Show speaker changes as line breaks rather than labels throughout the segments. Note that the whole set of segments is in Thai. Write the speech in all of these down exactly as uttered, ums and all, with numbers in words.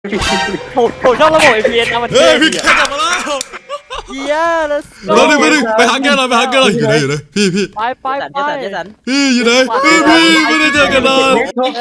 ผมผมชอบระบบ เอ พี เอส นะมัน
เฮ้ยพี่แกกลับมาแล้ว
เยี่ยแล้ว
เราดิไปดิไปหาแกหน่อยไปหาแกหน่อยอยู่ไหนอยู่ไหนพี่พี่
ไปไปไป
พี่อยู่ไหนพี่พี่ไม่ได้เจอกันนาน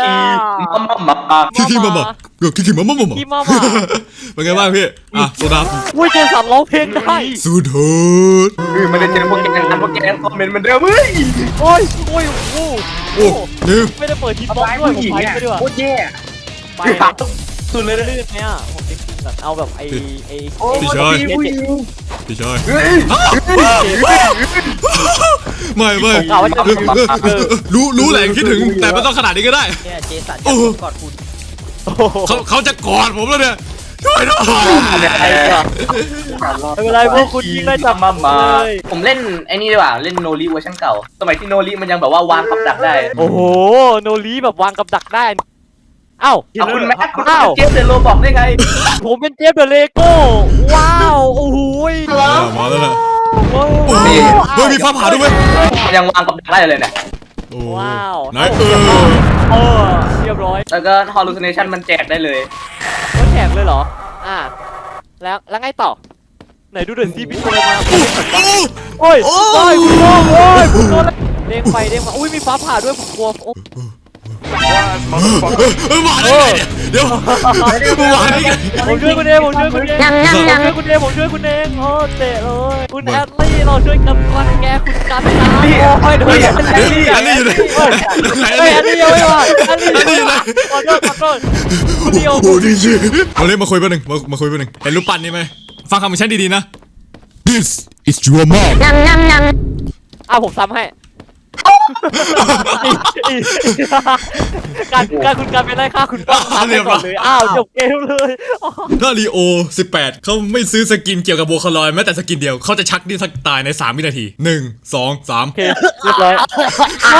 คิคิมามาเดี๋ยวคิคิมามามามา
พี่มามา
เป็นไงบ้างพี่อ่ะโซดา
อุ้ยเจสันร้องเพลงได้
สุดโหด
ไม่ได้เจอพวกแกงกันพวกแกงคอมเมนต์มันเดิมเฮ้ย
โอ้ยโอ้ยโอ้
โอ้นี่
ไม่ได้เปิดทีป๊อปด้วยผมไปไปด้วย
โคตรแย่
ไปสุดเลยลื่นไหมอ่ะผมจะกินแบบเอาแบบไอ้ไอ้
พี่ชายพี่ชายไม่ไม่รู้รู้แหละคิดถึงแต่ไม่ต้องขนาดนี้ก็ได้
เนี่ยเจสันกอดคุณ
เขาเขาจะกอดผมแล้วเนี่ยช่วยด้วย
ไม่เป็นไรพวกคุณยิงได้จับมาเลย
ผมเล่นไอ้นี่ดีกว่าเล่นโนริเวอร์ชันเก่าสมัยที่โนริมันยังแบบว่าวางกับดักได้
โอ้โหโนรีแบบวางกับดักได้เอ้า
เอาคุณแม็กคุณเจฟเดโรบอกได้ไง
ผมเป็นเจฟเดอะเลโก้ว้าวโอ้โห
มาแล้วนะ
ว้าว
โอ้ยเฮ้ยมีฟ้าผ่าด้วยไหม
มันยังวางกับดักได้เลยเนี่ย
ว้าว
ไหนเออ
เออเรียบร้อย
แล้วก็ hallucination มันแจกได้เลย
ก็แจกเลยเหรออ่าแล้วแล้วไงต่อไหนดูเดินซีพี่ตัวมาโอ้ยโอ้ยคุณโอ้ยคุณโดนเด้งไปเด้งมาอุ้ยมีฟ้าผ่าด้วยผมกลัวโอ้
เออมาได้ไงเนี่ยเดี๋ยวมาได้ไง
ผมช่วยคุณเองผมช่วยคุณเองผมช่วยคุณเองผมช่วยคุณเองโอ้เตะเลยคุณแอดลี่เราช่วยกันรังแกคุณกันนะโอ้ยเดี๋ยวแอดลี่
อันนี้อยู่ไหนไหน
เฮ้ยแอดลี่ยังไม่มาแอดลี่ขอโทษขอโทษคุณเดียว
โอ้ดีจีมาเล่นมาคุยแป๊บนึงมามาคุยแป๊บนึงเห็นรูปปั้นนี่ไหมฟังคำของฉันดีๆนะ This is your mom
อ่ะผมซ้ำให้การการคุณการเป็นไรค่าคุณป้องซ้ำให้ก่อนเลยอ้าวจบเกมเลย
ถ้าลีโอสิบแปดเขาไม่ซื้อสกินเกี่ยวกับโบคาลอยแม้แต่สกินเดียวเขาจะชักดิ้นสักตายในสามวินาทีหนึ่งสองสาม
โอเคเรียบร้อยใช่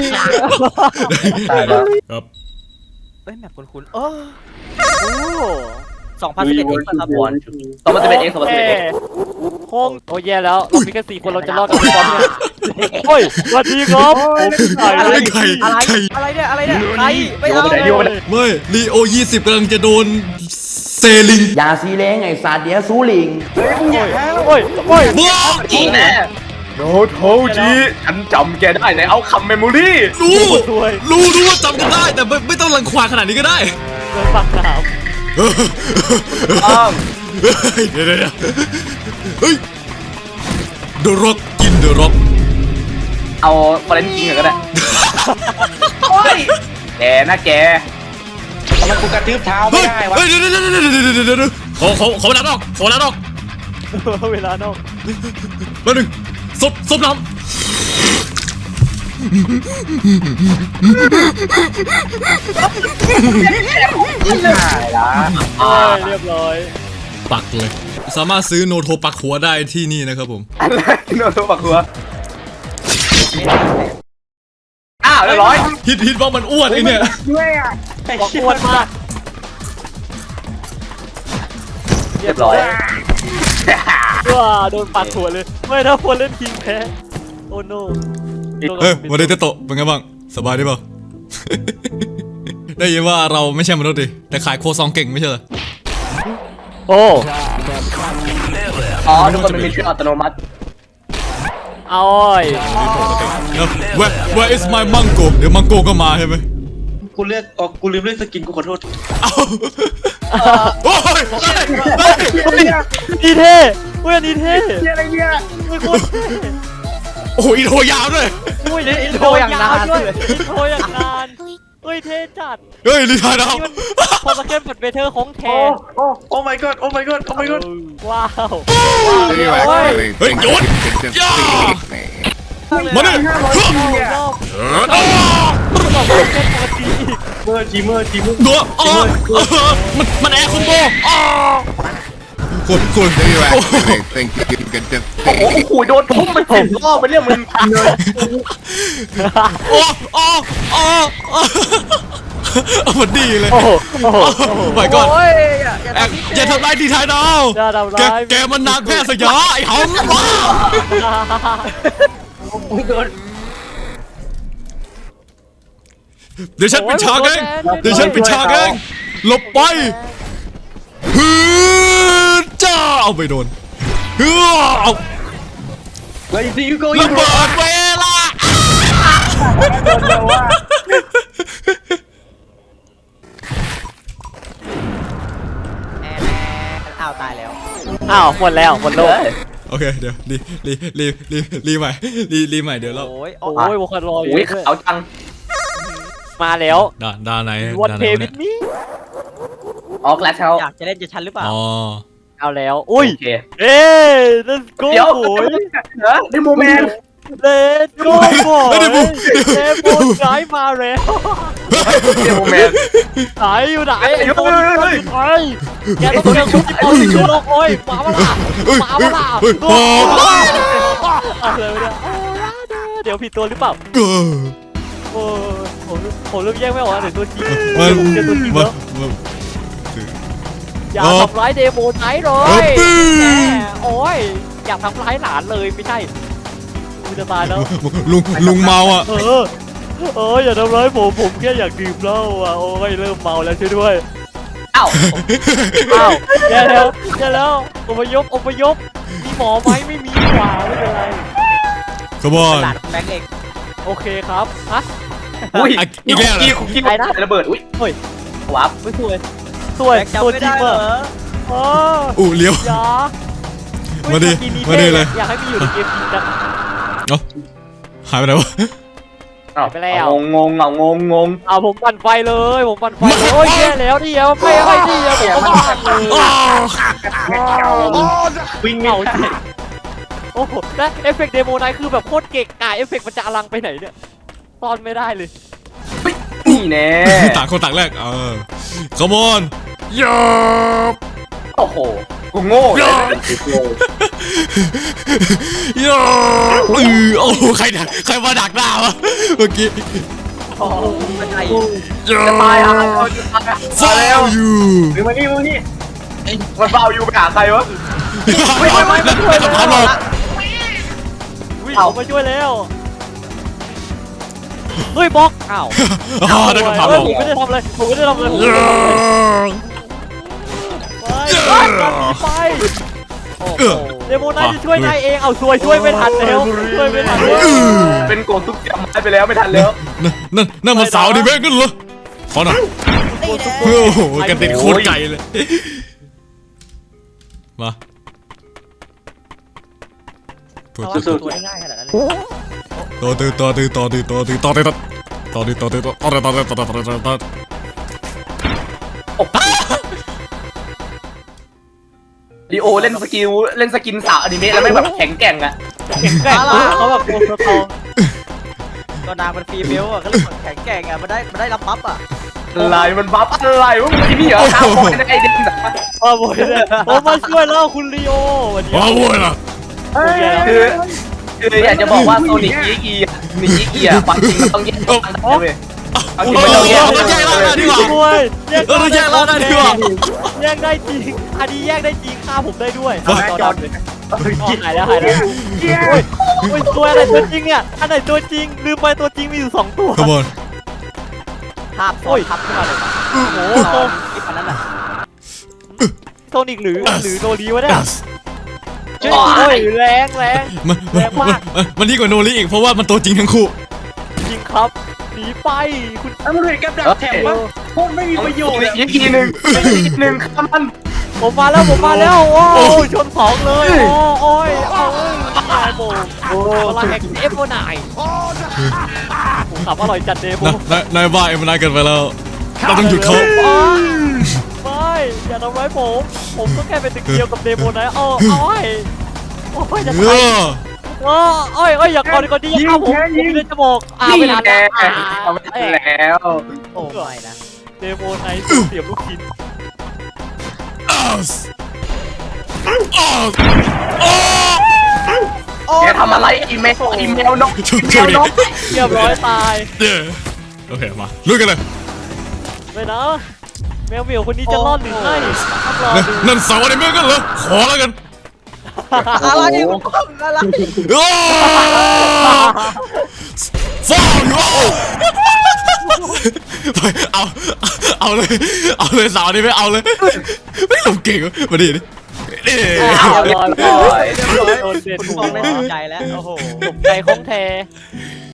ครับ
เฮ้ยแมปคุ้นๆโอ้โอ้สองพันสิบเอ็ดเองครับบอล
สองพันสิบเอ็ดเองสองพันสิบเอ็ดเอง
ห้องโอ้แย่แล้วเรามีแค่สี่คนเราจะรอดกันไหมครับเนี่ยโอ้ยสวัสดีครับผม
อะไรใคร
อะไร
ใคร
อะไรเนี่ยอะไรเนี่ยใครไม่เอาเลย
ไม่ลีโอยี่สิบกำลังจะโดนเซลิง
ยาซีเล้งไอ้สัตว์เดี๋ยวซูลิง
โอ้ยโอ้ย
บ้า
จริงนะโนโทจิฉันจำแกได้ในเอาคัมเมมโมรี่
รู้รู้รู้ว่าจำกันได้แต่ไม่ไม่ต้องรังควานขนาดนี้ก็ได้
เดินปากน้
อ้าว
เดี๋ยวเดี๋ยวเฮ้ย The Rock กิน The Rock
เอาฟอเรนคิงก็ได้โอ้ยแกนะแก
มันกูกระทืบเท้าไม่
เฮ้ย
ได้วะ
เฮ้ยเดี๋ยวเดี๋ยวเดี๋ยวเดี๋ยวเดี๋ยวเดี๋ยวขอขอขอเวลานอกขอเวลานอก
ำเวลานอก
แป๊บนึงซดซดน้ำ
เรียบร้อย
ปักเลย สามารถซื้อโนโทปักหัวได้ที่นี่นะครับผม
อะไรโนโทปักหัวอ้าวเรียบร้อย
ฮิตฮิตว่ามันอ้วนไอเนี่ย
บอกอ้วนมาก
เรียบร้อย
ว้าโดนปาดหัวเลยไม่ถ้าคนเล่นคิงแพ้โอ้โน
เฮ้ยวันนี้เตโตะเป็นไงบ้างสบายดีเปล่า ได้ยินว่าเราไม่ใช่มนุษย์ดิแต่ขายโคซองเก่งไม่ใช่เหรอ
โอ้
อ๋อทุกคนมันมีชื่ออัตโนมัติ
เอาอ้อย
เดี๋ยว where where is my mango เดี๋ยวมังโกก็มาใช่ไหม
กูเลือกอ๋อกูลืมเลือกสกินกูขอโทษ
เอ้าโอ้ย
ดีเท่เว้ยนี่เท่อะไรเนี่ยไม่โคตรเท่
โอ้ยอินโทรยาวด้วย
อุ้ยอินโทรอย่างนานด้วยอินโทรอย่างนานเฮ้ยเท่จัด
เฮ้ยรีทายดาว
นี่มันพอสเก็ตบัตเบเทอร์ของแท้
โอ้ โอ้ my god โอ้ my god โอ้ my god
ว้าว
You actually
Hey,
think
George!
you can defeat
Yeah!
me?
มาดิ
รอบ
อ้าว
บอกว่าเป็นปกติอีก
เมอร์ทีเมอร์ทีเมอร์
เนื้ออ๋อมันมันแอร์คอมโบอ๋อคนคน
Do you actually think you can
โอ้โห
defeat
โอ้โหโดนทุ่มไปสิบรอบไปเรียกมึง
โอ้โอ้โอ้เอามันดีเลย
โอ้โหโอ้โห
ไปก่อน
โอ้ย
แอบอย่าทำร้ายดีทายดาว
อย่าทำ
แก
ร้าย
แกมันนางแพทย์สยามไอ้หอมว้าเดี๋ยวฉันปิดฉากเองเดี๋ยวฉันปิดฉากเองหลบไปเอาไปโดนเฮ้อเอา
Where do you go
ระเบิดเวลา
แอนอ้าวตายแล้ว
อ้าวหมดแล้วหมดโลก
โอเคเดี๋ยวรีรีรีรีรีใหม่รีรีใหม่เดี๋ยวเรา
โอ้ย
โอ้ยบุคคลรออยู่
อุ้ย
ด้วย
เอาจัง
มาแล้ว
ด่านด่านไหน
วัน
ด่าน
เพ
ไหน
วิ
วะ
ด
เนี่ย
นี้
ออกแล้วเช้า
อยากจะเล่นจะชันหรือเปล่า
อ๋อ
เอาแล้วอุ้ย
โอเค
เอ้ย let's go
เดี๋ยว
โอ้ย
เหรอในโมเมนต์
let's go โอ้ย
เดี๋ยวผม
เดโมไกด์มาแล้ว
ในโมเมนต์
ไหนอยู่ไหน
เฮ้ย
ไอ้ตัวนี้
เฮ้ย
ไอ้แกต้องเจอคุณที่เอาสิโลกโอ้ยมาเปล่ามาเปล่า
เฮ้ย
โอ้
โอ้
ยอะไรวะเนี่ยเดี๋ยวผิดตัวหรือเปล่า
เออ
โอ้ยผมผมเริ่มแยกไม่ออกแล้วไหนตัวจริง
มัน
ผมเจอตัวจริง
มัน
แล้ว
มัน
อย่า
อ๋อ
ทำร้ายเดโมไนท์เล
เออย ปี้
แหมโอ้ยอยากทำร้ายหลานเลยไม่ใช่กูจะตายแล้ว
ลุงลุงเมาอ่ะ
เออเอออย่าทำร้ายผมผมแค่อยากดื่มเหล้าอ่ะโอ้ยเริ่มเมาแล้วช่วยด้วย
เอ้า
อ้าวแย่แล้วแย่แล้วอพยพอพยพมีหมอไหมไม่มีหว่าไม่เป็นไร
ขบอน
หลานแบงค์เอง
โอเคครับฮะ
อุ้ย
อ่ะอีกแล้วเหรอ
กี้คุกกี้มันระเบิดอุ้ย
เฮ้ย
วับ
ไม่สวยสวย
แบงค์จำ
ตัว
ไม่
จริ
ได้
ง
เหร
เหร
อ
ออ๋อ
อู้เลี้ยว
อย่า
มาดิ
เฮ้ย
มาดิเลย
อยากให้มีอยู่ในเกมจริงจัง
เอ้าหายไปไหนวะ
เอ้า
ไปแล้ว
งงงงเอางงงง
เอาผมปั่นไฟเลยผมปั่นไฟเลยโอ้ยแย่แล้วดิเอาไม่ไม่ดิเอาผมก็ปั่นเลย
วิ่งไม่
เอา
ได้
สิโอ้โหแล้วเอฟเฟกต์เดโมไนท์คือแบบโคตรเก่งอ่ะเอฟเฟกต์มันจะอลังไปไหนเนี่ยตอนไม่ได้เลย
นี่แน่
ต่างคนต่างแรกเออขบอนยอบ
โอ้โหกูโง่เลย
ยอบอือโอ้โหใครดักใครมาดักหน้าวะเมื่อกี้
โอ้โหไม่ใช่
ยอ
จะตายอ่ะ
บ
จะตายอ่ะ
ฟาวอยู่
มึงมานี่มึงมานี่
มันเบาอยู่ไปหาใครวะ
ไม่ไม่ไม่ไม่ไม่ทำหรอก
วิ่งออกมาช่วยแล้วเฮ้ยบล็อกอ้าว
อ๋อได้คำถามหร
เฮ้ย
อก
ผมไม่ได้ทำอะไรผมไม่ได้ทำอะไรผม
ย
ไม่ได้ทำอะไร
อ
ไปไปกันหนีไปโอ้โหเดโมไนท์จะช่วยนายเองเอาช่วยช่วยไม่ทันแล้วช่วยไม่ทันแล้ว
เป็นโกทุกอย่างไม้ไปแล้วไม่ทันแล้ว
นั่นนั่นนั่นมันสาวดิเบ้กันเหรอขอหน่อยโอ้โหกันติดโคตรไกลเลยมา
เอาตัวง่ายขนาดนั้นเลย
ต่อตื้อต่อตื้อต่อตื้อต่อตื้อต่อตื้อต่อตื้อต่อตื้อต่อตื้อต่อตื้อต่อตื้อต่อตื้อต่อตื้อต่อตื้อ
ดีโอเล่นสกิลเล่นสกินสาวอนิเมะแล้วไม่แบบแข็งแกร่งอะ
แข็งแกร่งมากเขาแบบโกงสตอง
ก็นางมันฟรีเบลอ่ะก็เลยแข็งแกร่งอ่ะมันได้มันได้รับบัฟอ่ะ
อะไรมันบัฟอะไรวะมึงไอ้นี่เหรอข้าวโพดไอ้เด็ก
มาบ่อยเลยผมมาช่วยแล้วคุณลีโอวันนี้
ว้าวโว้ยล่ะ
คือคืออยากจะบอกว่าโซนิกยีกีอ่ะมียีกีอ่ะความจริงมันต้องแยกกันได้เว้ยเอาจริงมันต้องแยก
เราแยกร่างกันดีกว่า
ช่วยแยก
เออเราแยกร่างกันดีกว่า
แยกได้จริงอันนี้แยกได้จริงฆ่าผมได้ด้วย
เฮ้ย
จอดเลยอ๋อหายแล้วหายแล้วโอ้ยโอ้ยตัวอะไรตัวจริงเนี่ยอันไหนตัวจริงลืมไปตัวจริงมีอยู่สองตัว
ขบวน
ภาพ
โอ้ย
ทับขึ้นมาเลย
โอ้โหโซ
คลิปอันนั้นอ่ะ
โซนิกหรือหรือโนรีวะเนี่ย
โอ้
โอ้
ย
ยแรงแรง
มันมันมันมันดีกว่าโนริอีกเพราะว่ามันตัวจริงทั้งคู่
จริงครับหนีไปคุณ
แล้วมึงเห็นกับดักแถมปะโคตรไม่มีประโยชน์อะ
ยีกีหนึ่งยีกีหนึ่งข้ามัน
ผมมาแล้วผมมาแล้วโอ้ยชนสองเลยโอ้โอ้ยโอ้ยตายโบโอ้พลังแห่งเอฟโฟนายผมขับอร่อยจัดเดโม
นะนายนายบ้าเอ็มนายเกินไปแล้วเราต้องหยุดเขา
ไม่อย่าทำร้ายผมผมก็แค่เป็นตึกเดียวกับเดโมนะเออโอ้ยโอ้ยจะ
เอ
ตาย
อ
เออโอ้ยโอ้ยอย่ากอดก่อนดิอย่าฆ่าผมผมมีเลือดจะบอกอ่า
นี่
ไม่ทัน
แน่
แล้ว
เอาไม่ทันแล้ว
โอ้ไม่นะ
เดโมไนท์เสียบลูกชิ้น
แกทำอะไรอีเมลอีเมลนก
ช่วย
อีเม
ช่วย
ล
ดิ
นก
เรียบร้อยตาย
เย้โอเคมาลุยกันเลย
ไปนะแมวเหมียวคนนี้จะรอดหรือไม่ต้องรอดู
นั่นเสาอะไรไม่กันเหรอขอแล้วกัน
อะไรคุณป้อมอะไร
ฟ้าวอยู่ไปเอาเอาเลยเอาเลยสาวนี่ไม่เอาเลยไม่หลบเก่งมาดิดินี่
เอาเรียบร้อย
โดนเด็ด
คุณ
หั
ฟ
ว
องได้สนใจแล้วโอ้โห
ตกใจของแท้